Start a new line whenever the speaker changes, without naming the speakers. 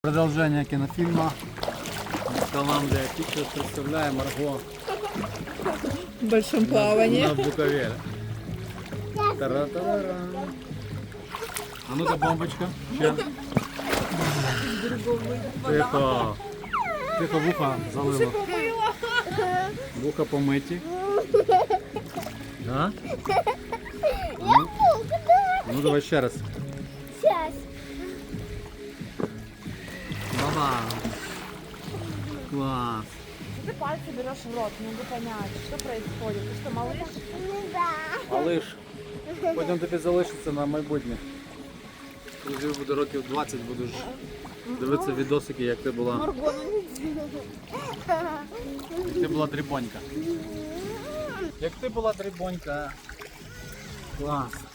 Продолжение кинофильма. Колландия Pictures представляем Марго
В большом плавании.
на Буковеле. Тара-тарара. А ну-ка, бомбочка. Сейчас. Тихо. Тихо, вуха залило. Вуха помиті. А? Ну давай ще раз.
Сейчас.
Баба. Класс.
Ты пальцы берешь в рот, не могу понять, что происходит. Ты что, малыш?
Да.
Малиш, потім тобі залишиться на майбутнє. Коли буде років 20, будеш дивитися відосики, як ти була.
Марго,
Ти була дрібонька. Як ти була дрібонька. Клас.